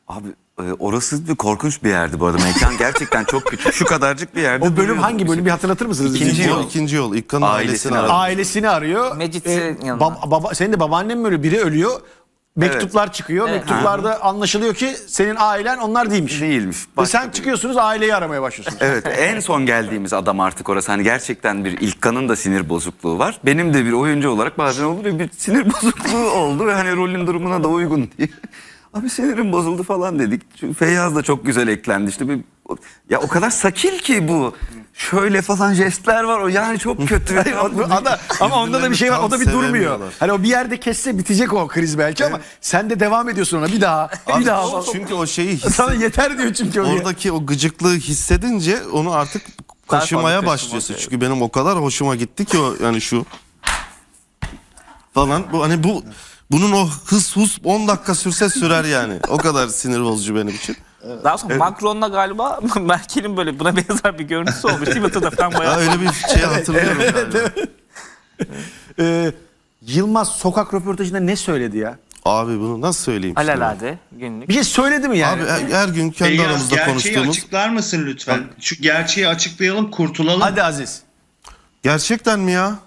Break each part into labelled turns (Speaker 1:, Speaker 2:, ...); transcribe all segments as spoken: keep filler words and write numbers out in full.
Speaker 1: Abi e, orası bir korkunç bir yerdi bu arada. Mekan gerçekten çok küçük. Şu kadarcık bir yerde.
Speaker 2: O bölüm hangi bölüm bir hatırlatır mısınız?
Speaker 1: İkinci
Speaker 2: İkinci
Speaker 1: yol.
Speaker 2: yol.
Speaker 3: İkinci yol. İlkan'ın
Speaker 1: Ailesini
Speaker 3: ailesini
Speaker 1: aradı.
Speaker 3: aradı.
Speaker 2: Ailesini arıyor.
Speaker 4: Mecit'in yanına.
Speaker 2: baba, baba, senin de babaannen mi ölüyor? Biri ölüyor. Mektuplar çıkıyor.
Speaker 4: Evet.
Speaker 2: Mektuplarda anlaşılıyor ki senin ailen onlar değilmiş.
Speaker 1: Değilmiş.
Speaker 2: Ve
Speaker 1: Başka
Speaker 2: sen
Speaker 1: bir-
Speaker 2: çıkıyorsunuz, aileyi aramaya başlıyorsunuz.
Speaker 1: Evet, en son geldiğimiz adam artık orası. Hani gerçekten bir İlkan'ın da sinir bozukluğu var. Benim de bir oyuncu olarak bazen olur ya bir sinir bozukluğu oldu ve hani rolün durumuna da uygun diye. Abi sinirim bozuldu falan dedik. Çünkü Feyyaz da çok güzel eklendi işte. Bir, ya o kadar sakil ki bu. Şöyle falan jestler var o yani çok kötü.
Speaker 2: Hayır, o- o da- ama onda da bir şey var. O da bir
Speaker 3: Tam
Speaker 2: durmuyor.
Speaker 3: sevemiyorlar.
Speaker 2: Hani o bir yerde kesse bitecek o kriz belki ama sen de devam ediyorsun ona bir daha.
Speaker 3: Abi,
Speaker 2: bir daha.
Speaker 3: çünkü o şeyi hisse-
Speaker 2: Sana yeter diyor çünkü o.
Speaker 3: oradaki o gıcıklığı hissedince onu artık kaşımaya
Speaker 4: fazla
Speaker 3: başlıyorsun.
Speaker 4: kaşımak,
Speaker 3: Çünkü benim o kadar hoşuma gitti ki o yani şu falan bu hani bu bunun o hız hus on dakika sürse sürer yani. O kadar sinir bozucu benim için.
Speaker 4: Daha sonra Macron'la galiba Merkel'in böyle buna benzer bir görüntüsü olmuş. Twitter'da falan
Speaker 3: Ha,
Speaker 4: bayağı.
Speaker 3: öyle bir şey hatırlıyorum galiba.
Speaker 2: Ee, Yılmaz sokak röportajında ne söyledi ya?
Speaker 3: Abi bunu nasıl söyleyeyim? şimdi?
Speaker 4: Alelade günlük.
Speaker 2: Bir şey söyledi mi yani?
Speaker 3: Abi her, her gün kendi
Speaker 5: Feyyaz,
Speaker 3: aramızda
Speaker 5: gerçeği
Speaker 3: konuştuğumuz.
Speaker 5: açıklar mısın lütfen? Şu gerçeği açıklayalım, kurtulalım.
Speaker 2: Hadi Aziz.
Speaker 3: Gerçekten mi ya?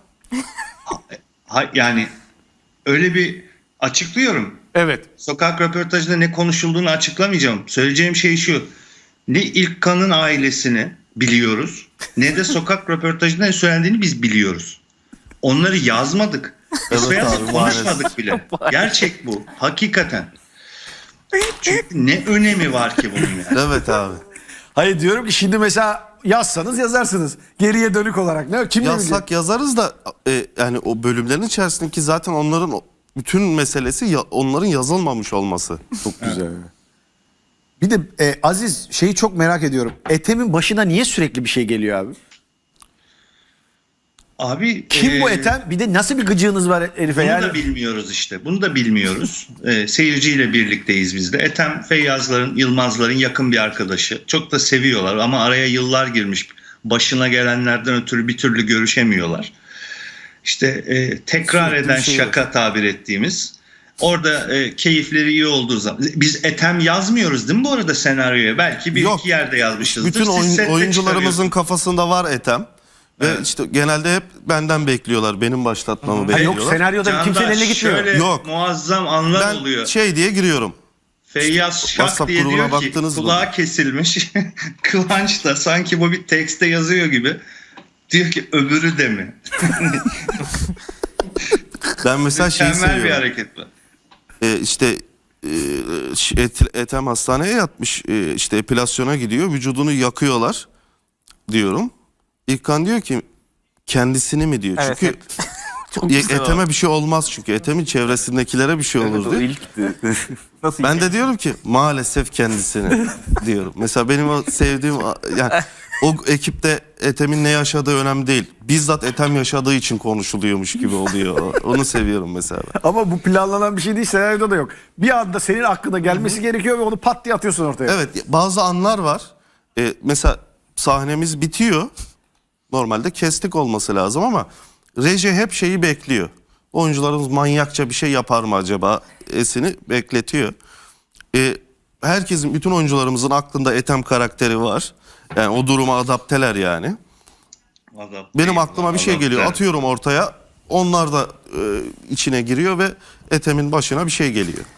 Speaker 5: Ha, yani öyle bir açıklıyorum.
Speaker 2: Evet.
Speaker 5: Sokak röportajında ne konuşulduğunu açıklamayacağım. Söyleyeceğim şey şu. Ne İlkan'ın ailesini biliyoruz, ne de sokak röportajında ne söylendiğini biz biliyoruz. Onları yazmadık. Biz
Speaker 3: Evet
Speaker 5: Feyyaz'la
Speaker 3: abi,
Speaker 5: konuşmadık bile. Gerçek bu. Hakikaten. Çünkü ne önemi var ki bunun yani?
Speaker 3: Evet abi.
Speaker 2: Hayır diyorum ki şimdi mesela yazsanız yazarsınız. Geriye dönük olarak. Ne? Kim ne bilecek?
Speaker 3: Yazsak yazarız da e, yani o bölümlerin içerisindeki zaten onların o- bütün meselesi ya, onların yazılmamış olması.
Speaker 2: Çok güzel. Bir de e, Aziz şeyi çok merak ediyorum. Ethem'in başına niye sürekli bir şey geliyor abi?
Speaker 5: Abi
Speaker 2: Kim bu
Speaker 5: e,
Speaker 2: Ethem? Bir de nasıl bir gıcığınız var herife
Speaker 5: Bunu
Speaker 2: yani?
Speaker 5: da bilmiyoruz işte. Bunu da bilmiyoruz. Ee, seyirciyle birlikteyiz biz de. Ethem Feyyazların, Yılmazların yakın bir arkadaşı. Çok da seviyorlar ama araya yıllar girmiş. Başına gelenlerden ötürü bir türlü görüşemiyorlar. İşte e, tekrar
Speaker 3: Sürekli
Speaker 5: eden
Speaker 3: bir şey
Speaker 5: şaka tabir ettiğimiz. Orada e, keyifleri iyi olduğu zaman. Biz Ethem yazmıyoruz değil mi bu arada senaryoya? Belki bir
Speaker 3: Yok.
Speaker 5: iki yerde yazmışızdır.
Speaker 3: Bütün
Speaker 5: Siz
Speaker 3: oyun-
Speaker 5: sette
Speaker 3: oyuncularımızın kafasında var Ethem. Ve
Speaker 5: Evet.
Speaker 3: işte genelde hep benden bekliyorlar. Benim başlatmamı
Speaker 2: Ha,
Speaker 3: bekliyorlar.
Speaker 2: yok senaryoda
Speaker 5: Candaş,
Speaker 2: kimsenin eline gitmiyor.
Speaker 5: şöyle
Speaker 3: Yok.
Speaker 5: muazzam anlar
Speaker 3: Ben
Speaker 5: oluyor.
Speaker 3: şey diye giriyorum.
Speaker 5: Feyyaz Şak
Speaker 3: WhatsApp
Speaker 5: diye
Speaker 3: grubuna
Speaker 5: diyor ki
Speaker 3: baktınız mı?
Speaker 5: kulağı kesilmiş. Kıvanç da sanki bu bir tekste yazıyor gibi. Diyor ki öbürü de mi?
Speaker 3: Ben mesela şeyi
Speaker 5: Mükemmel bir
Speaker 3: seviyorum.
Speaker 5: hareket bu.
Speaker 3: Ee, işte e, Et- Ethem hastaneye yatmış. E, işte epilasyona gidiyor. Vücudunu yakıyorlar diyorum. İlkan diyor ki kendisini mi diyor.
Speaker 4: Evet,
Speaker 3: Çünkü
Speaker 4: hep. Çok
Speaker 3: Ye-
Speaker 4: güzel
Speaker 3: Eteme bir şey olmaz çünkü. Etemin çevresindekilere bir şey olur
Speaker 1: o
Speaker 3: diyor.
Speaker 1: ilkti.
Speaker 4: Nasıl
Speaker 3: Ben de diyorum ki maalesef kendisini diyorum. Mesela benim o sevdiğim yani o ekipte Ethem'in ne yaşadığı önemli değil. Bizzat Ethem yaşadığı için konuşuluyormuş gibi oluyor. Onu seviyorum mesela.
Speaker 2: Ama bu planlanan bir şey değil, senaryoda da yok. Bir anda senin aklına gelmesi gerekiyor ve onu pat diye atıyorsun ortaya.
Speaker 3: Evet, bazı anlar var. Ee, mesela sahnemiz bitiyor. Normalde kestik olması lazım ama reji hep şeyi bekliyor. Oyuncularımız manyakça bir şey yapar mı acaba esini bekletiyor. Ee, herkesin, bütün oyuncularımızın aklında Ethem karakteri var. Yani o duruma adapteler yani.
Speaker 5: Adam-
Speaker 3: Benim aklıma bir şey
Speaker 5: Adam-
Speaker 3: geliyor.
Speaker 5: Evet.
Speaker 3: Atıyorum ortaya. Onlar da e, içine giriyor ve Ethem'in başına bir şey geliyor.